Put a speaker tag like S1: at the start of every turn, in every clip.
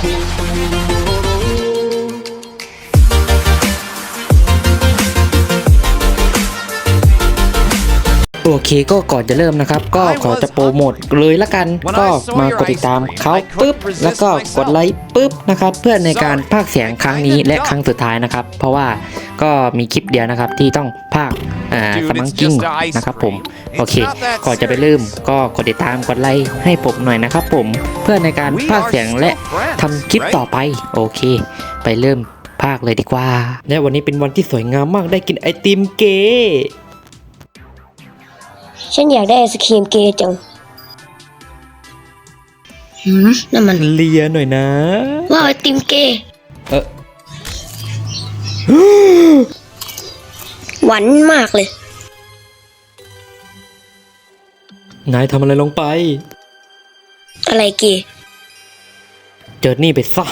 S1: โอเคก็ก่อนจะเริ่มนะครับก็ขอจะโปรโมทเลยละกันก็มากดติดตามเขาปุ๊บแล้วก็กดไลค์ปุ๊บนะครับเพื่อในการพากย์เสียงครั้งนี้และครั้งสุดท้ายนะครับเพราะว่าก็มีคลิปเดียวนะครับที่ต้องพากย์สมังกิ้งนะครับผมโอเคก่อนจะไปเริ่มก็กดติดตามกดไลค์ให้ผมหน่อยนะครับผมเพื่อในการพากย์เสียงและทำคลิปต่อไปโอเคไปเริ่มพากย์เลยดีกว่าและวันนี้เป็นวันที่สวยงามมากได้กินไอติมเก๋
S2: ฉันอยากได้ไอศครีมเกย์จังนั่นมัน
S1: เลียหน่อยนะ
S2: ว่าไอติมเกย์หวานมากเลย
S1: นายทำอะไรลงไป
S2: อะไรเกย์
S1: เจอนี่ไปซะ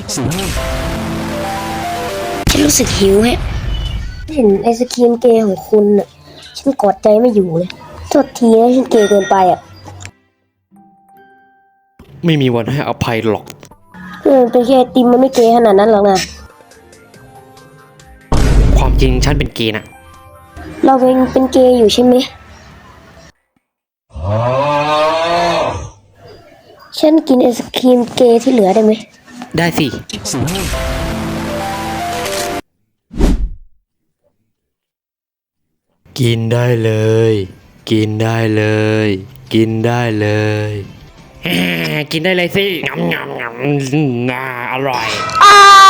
S2: ฉันรู้สึกหิวแฮะเห็นไอศครีมเกย์ของคุณน่ะฉันกอดใจไม่อยู่เลยโทษทีนะฉันเกย์เกินไปอ่ะ
S1: ไม่มีวันให้อภัยหรอก
S2: เป็นแค่ไอติมมันไม่เกย์ขนาดนั้นหรอกนะ
S1: ความจริงฉันเป็นเกย์นะ
S2: เราเป็นเกย์อยู่ใช่ไหมฉันกินไอศครีมเกย์ที่เหลือได้ไหม
S1: ได้สิกินได้เลยกินได้เลยกินได้เลยกินได้เลยสิงำอร่อย